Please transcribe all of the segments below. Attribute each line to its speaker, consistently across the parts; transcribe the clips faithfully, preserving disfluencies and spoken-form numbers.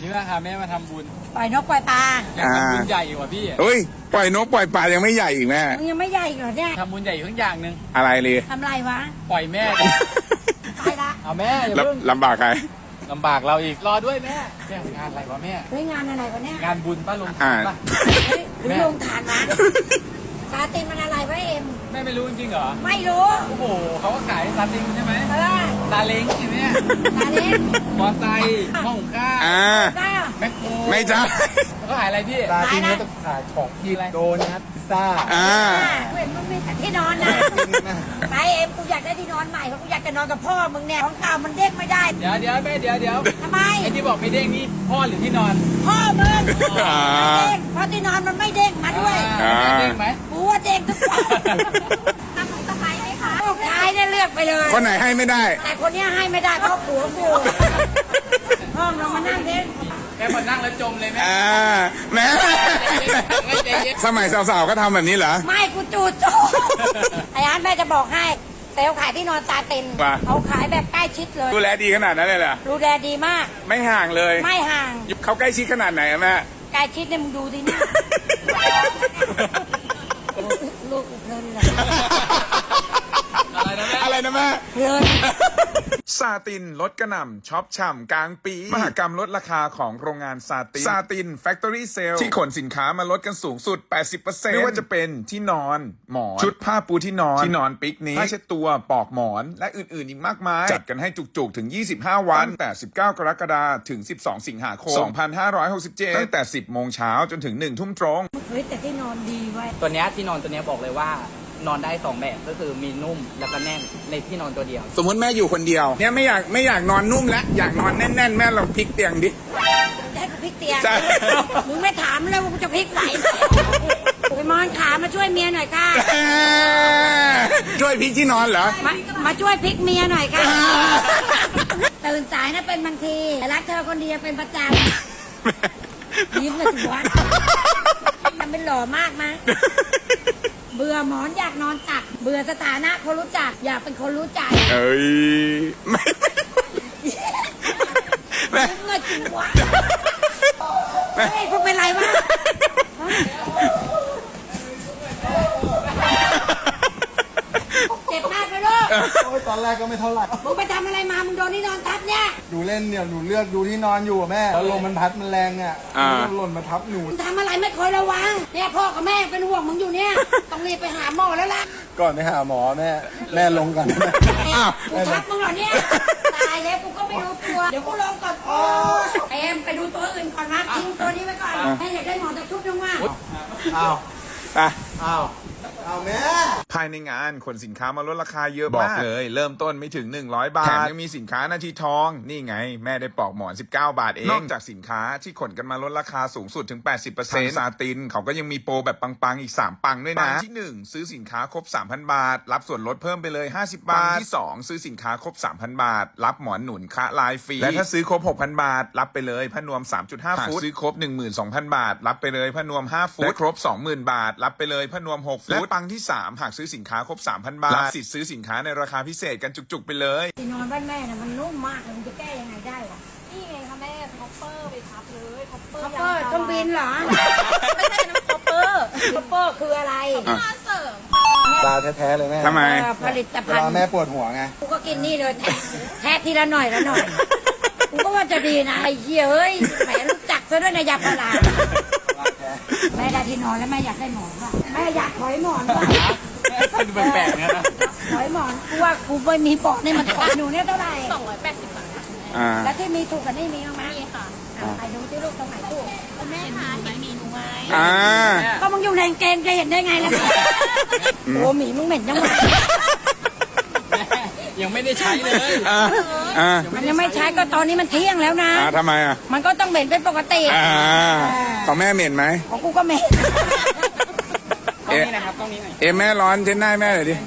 Speaker 1: นี้ว่าพาแม่มาทำบุญ
Speaker 2: ปล่อยนกปล่อยปลา
Speaker 1: อยากทำบุญใหญ่กว่าพี่
Speaker 3: เฮ้ยปล่อยนกปล่อยปลายังไม่ใหญ่อีกแม่
Speaker 2: มึงยังไม่ใหญ่เหรอเนี่ย
Speaker 1: ทำบุญใหญ่ทั้งอย่างหนึ่ง
Speaker 3: อะไรเลย
Speaker 2: ทำไรวะ
Speaker 1: ปล่อยแม่
Speaker 2: ไปละ
Speaker 1: เอาแม่อย่าเพิ่ง
Speaker 3: ลำบากใคร
Speaker 1: ลำบากเราอีกรอด้วยแม่แม่งานอะไรวะแม่
Speaker 2: เฮ้ยงานอะไรวะเนี่ย
Speaker 1: งานบุญป้าลงทานป่ะ
Speaker 2: หรือลงทานนะซาตินมันอะไรวะเอ็ม
Speaker 1: แม่ไม่รู้จริงเหรอ
Speaker 2: ไม่รู้
Speaker 1: โอ้โหเขาก็ขายซาตินใช่ไหม
Speaker 2: เออ
Speaker 1: ซาเล้งใช่ไหม
Speaker 2: ซาเล้ง
Speaker 1: มอไซค์ห้องข้าวแมคโคร
Speaker 3: ไม่ใช่
Speaker 1: เขาขายอะไรพี่
Speaker 4: ซาตินก็ต้องขายของกินโดนัทพิซซ่า
Speaker 3: อ่า
Speaker 2: เห็นมึงมีแต่ที่นอนนะไปเอ็มกูอยากได้ที่นอนใหม่เพราะกูอยากจะนอนกับพ่อมึงเนี่ยของเก่ามันเด้งไม่ได้
Speaker 1: เดี๋ยวเดี๋ยวแม่เดี๋ยวเดี๋ยว
Speaker 2: ทำไม
Speaker 1: ไอ้ที่บอกไม่เด้งนี่พ่อหรือที่นอน
Speaker 2: พ่อมึงไม่เด้งเพราะที่นอนมันไม่เด้งมาด้วย
Speaker 1: เด้งไหม
Speaker 2: กูว่าเด้งทุกคนทำของสบายไหมคะลูกชายเนี่ยเลือกไปเลย
Speaker 3: คนไหนให้ไม่ได้
Speaker 2: แต่คนนี้ให้ไม่ได้เพราะผัวกูห้องเรามานั่งเด้ง
Speaker 1: แม่พอนั่งแล้วจมเลยแม่
Speaker 3: อ่าแม่สมัยสาวๆก็ทำแบบนี้เหรอ
Speaker 2: ไม่กูจูดโจไอ้อาร์ตแม่จะบอกให้แต่เขาขายที่นอนตาเต็นเขาขายแบบใกล้ชิดเลย
Speaker 3: ดูแลดีขนาดนั้นเลยเหรอ
Speaker 2: ดูแลดีมาก
Speaker 3: ไม่ห่างเลย
Speaker 2: ไม่ห่าง
Speaker 3: เขาใกล้ชิดขนาดไหนอะแม่
Speaker 2: ใกล้ชิดเนี่ยมึงดูดิเนี่ยลูกเพลินเลย
Speaker 3: อะไรนะแม่
Speaker 2: เพลิน
Speaker 3: ซาตินลดกระหน่ำช็อปฉ่ำกลางปีมหกรรมลดราคาของโรงงานซาตินซาตินแฟคทอรี่เซลที่ขนสินค้ามาลดกันสูงสุด แปดสิบเปอร์เซ็นต์ ไม่ว่าจะเป็นที่นอนหมอนชุดผ้าปูที่นอนที่นอนปิกนิกผ้าเช็ดตัวปลอกหมอนและอื่นๆอีกมากมายจัดกันให้จุกๆถึงยี่สิบห้าวันตั้งแต่สิบเก้ากรกฎาคมถึงสิบสองสิงหาคมสองพันห้าร้อยหกสิบเจ็ดตั้งแต่สิบโมงเช้าจนถึงหนึ่งทุ่มตรง
Speaker 2: เฮ้ยแต่ที่นอนดีไว้
Speaker 1: ตัวนี้ที่นอนตัวนี้บอกเลยว่านอนได้สองแบบก็คือมีนุ่มแล้วก็แน่นในที่นอนตัวเดียว
Speaker 3: สมมติแม่อยู่คนเดียวเนี่ยไม่อยากไม่อยากนอนนุ่มแล้วอยากนอนแน่นๆแม่ลองพลิกเตียงดิ
Speaker 2: ได้กูพลิกเตียงมึงไม่ถามเลยว่ากูจะพลิกไหนไปมอนขามาช่วยเมียหน่อยค่ะ
Speaker 3: ช่วยพลิกที่นอนเหรอ
Speaker 2: มามาช่วยพลิกเมียหน่อยค่ะตื่นสายนะเป็นบางทีแต่รักเธอคนเดียวเป็นประจำยิ้มเลยถึงวันทำเป็นหล่อมากมั้ยเบื่อหมอนอยากนอนตักเบื่อสถานะคนรู้จักอยากเป็นคนรู้ใจ
Speaker 3: เอ้ยไม่
Speaker 2: ไม่เงินจริงวะเฮ้ยพวกเป็นไรวะเจ็บมากเลยลูก
Speaker 4: โอ้ยตอนแรกก็ไม่เท่าไหร่
Speaker 2: มึงไปทำอะไรมามึงโดนที่นอนทับเนี่ย
Speaker 4: ดูเล่นเนี่ยหนูเลือกดูที่นอนอยู่แม่แล้วลมมันพัดมันแรงอ่ะมันหล่นมาทับหนู
Speaker 2: ทำอะไรไม่เคยระวังเนี่ยพ่อกับแม่เป็นห่วงมึงอยู่เนี่ยต้องรีบไปหาหมอแล้วล่ะ
Speaker 4: ก่อนไปหาหมอแม่แม่ลงก่อน
Speaker 2: กูทับมึงเหรอเนี่ยตายแล้วกูก็ไม่รู้ตัวเดี๋ยวกูลงก่อนโอ้เอ็มไปดูตัวอื่นก่อนนะทิ้งตัวนี้ไว้ก่อนแม่อยากได้หมอนตะชุบนึงว่า
Speaker 4: อ้าว
Speaker 3: ไป
Speaker 4: อ้าวเอาแม่
Speaker 3: ภายในงานขนสินค้ามาลดราคาเยอะมากบอกเลยเริ่มต้นไม่ถึงหนึ่งร้อยบาทแถมยังมีสินค้านาทีทองนี่ไงแม่ได้ปลอกหมอนสิบเก้าบาทเองนอกจากสินค้าที่ขนกันมาลดราคาสูงสุดถึง แปดสิบเปอร์เซ็นต์ ซาตินเขาก็ยังมีโปรแบบปังๆอีกสามปังด้วยนะปังที่หนึ่งซื้อสินค้าครบ สามพัน บาทรับส่วนลดเพิ่มไปเลยห้าสิบบาทปังที่สองซื้อสินค้าครบ สามพัน บาทรับหมอนหนุนคะลายฟรีและถ้าซื้อครบ หกพัน บาทรับไปเลยผ้านวม สามจุดห้า ฟุตซื้อครบ หนึ่งหมื่นสองพัน บาทรับไปเลยผ้านวมห้าฟุตและครบ สองหมื่น บาทรับไปเลยผ้านวมหกฟุตและปังที่สามหากซื้อสินค้าครบ สามพัน บาทรับสิทธิ์ซื้อสินค้าในราคาพิเศษกันจุกๆไปเลย
Speaker 2: ที่นอนบ้านแม่น่ะมันนุ่มมากเลยมันจะแก้ยังไงได้วะ
Speaker 5: นี่ไงคะแม่คอปเปอร์ไปทับเลยคอปเปอร์
Speaker 2: คอปเปอร์ต้องบินเหรอ
Speaker 5: ไม่ใช่น้ำคอปเปอร์
Speaker 2: คอปเปอร์คืออะไร
Speaker 5: มาเสริม
Speaker 4: ตาแท้ๆเลยแม่
Speaker 3: ทำไม
Speaker 2: ผลิตภัณฑ์
Speaker 4: แม่ปวดหัวไง
Speaker 2: กูก็กินนี่เลยแทะทีละหน่อยละหน่อยกูก็ว่าจะดีนะไอ้เหี้ยเอ้ยแหมรู้จักซะด้วยนะยาพาราแม่ได้ที่นอนแล้วแม่อยากได้หมอนป่ะแม่อยากถอยหมอนป่ะ
Speaker 1: ดูแปลกๆนะ
Speaker 2: ถอยหมอนกูว่ากูไม่มีปอกนี่มันถอยหนูเนี่ยเท่าไหร่
Speaker 5: สองร้อยแปดสิบบาท
Speaker 2: แล้วที่มีถูกกันนี่มีบ้างไหม
Speaker 5: มีค่ะ
Speaker 2: ไอ้ดูที่ลูกตรงไหนถูก
Speaker 5: แม่คะเห็นหมีหนูไหม
Speaker 2: ก็มึงอยู่ในเกณฑ์จะเห็นได้ไงล่ะโอ้หมีมึงเหม็นจังวะ
Speaker 1: ยังไม่ได้ใช้เลย
Speaker 2: มันยังไม่ใช้ก็ตอนนี้มันเที่ยงแล้วนะ
Speaker 3: ทำไมอ่ะ
Speaker 2: มันก็ต้องเหม็นเป็นปกติ
Speaker 3: ของแม่เหม็นไหม
Speaker 2: ของกูก็เหม็น
Speaker 1: ต้องนี้นะครับต้องนี้หน่อย
Speaker 3: เอ็มแม่ร้อนเช็ดหน้าแม่เลยดิ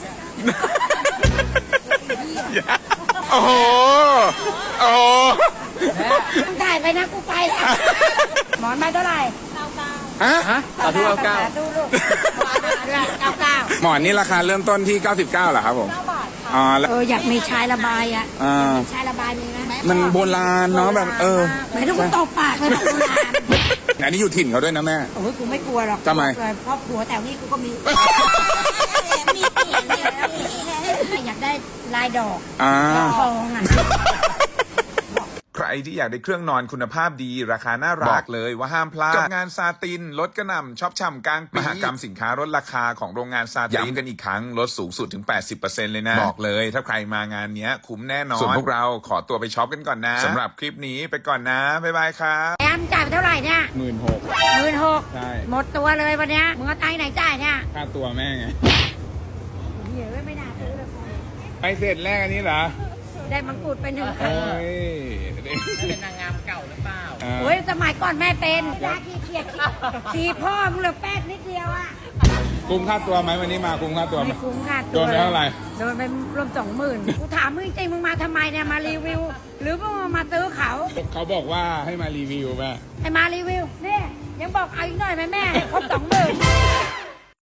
Speaker 3: โอ้โหโอ้โห
Speaker 2: มึงถ่ายไปนะกูไปหมอนมาเท่าไหร่
Speaker 3: ฮะ
Speaker 1: ฮะสาธุเก้าเก้า
Speaker 2: ดูลูกเก้าเก้า
Speaker 3: หมอนนี่ราคาเริ่มต้นที่เก้าสิบเก้าเหรอครับผม
Speaker 5: เก้าบาท
Speaker 2: เอออยากมีชายระบายอ่ะชายระบายมีไหม
Speaker 3: มันโบราณเนาะแบบเออ
Speaker 2: ไม่ต้องกูตบปากเลยบอกโบราณ
Speaker 3: อันนี้อยู่ถิ่นเขาด้วยนะแม่
Speaker 2: โอ้ยกูไม่กลัวหรอก
Speaker 3: ทำไม
Speaker 2: ครอบครัวแถวนี้กูก็มี มีอยากได้ลายดอก
Speaker 3: อ่า
Speaker 2: ทองอ่ะ
Speaker 3: ใครที่อยากได้เครื่องนอนคุณภาพดีราคาน่ารักบอกเลยว่าห้ามพลาดกับงานซาตินลดกระหน่ำช็อปช่ำกลางปีมหกรรมสินค้าลดราคาของโรงงานซาตินย้ำกันอีกครั้งลดสูงสุดถึง แปดสิบเปอร์เซ็นต์ เลยนะบอกเลยถ้าใครมางานเนี้ยคุ้มแน่นอนส่วนพวกเราขอตัวไปช็อปกันก่อนนะสำหรับคลิปนี้ไปก่อนนะบ๊ายบายครับ
Speaker 2: แอมจ่ายไปเท่าไหร่เนี่ย
Speaker 3: หมื่นหก
Speaker 2: หมื่นหก
Speaker 3: ใช่
Speaker 2: หมดตัวเลยวันเนี้ยมึงเอาตังค์ไหนจ่ายเนี่ย
Speaker 3: ค่าตัวแม่ไง
Speaker 2: เหี้ยไม่น่าซื้อเลย
Speaker 3: ไปเสร็จแรกอันนี้เหรอ
Speaker 2: ได้มังกรไปหนึ่ง
Speaker 3: โอ้ย
Speaker 1: เป็นนางงามเก่าหรือเปล่า
Speaker 2: โอ้ยสมัยก่อนแม่เป็นยาขี้เกียจสีพ่อมึงเหลือแป๊กนิดเดียวอ่ะ
Speaker 3: คุ้มค่าตัวไหมวันนี้มาคุ้มค่าตัวไหม
Speaker 2: ไม่คุ้มค่ะ
Speaker 3: โดนไปเท่าไหร่
Speaker 2: โดนไปรวมสองหมื่นกูถามมึงจริงๆมึงมาทำไมเนี่ยมารีวิว หรือมึงมาซื้อเขา
Speaker 3: เขาบอกว่าให้มารีวิวแม่
Speaker 2: ไอ้มารีวิวเนี่ยยังบอกเอาอีกหน่อยไหมแม่ให้ครบสอง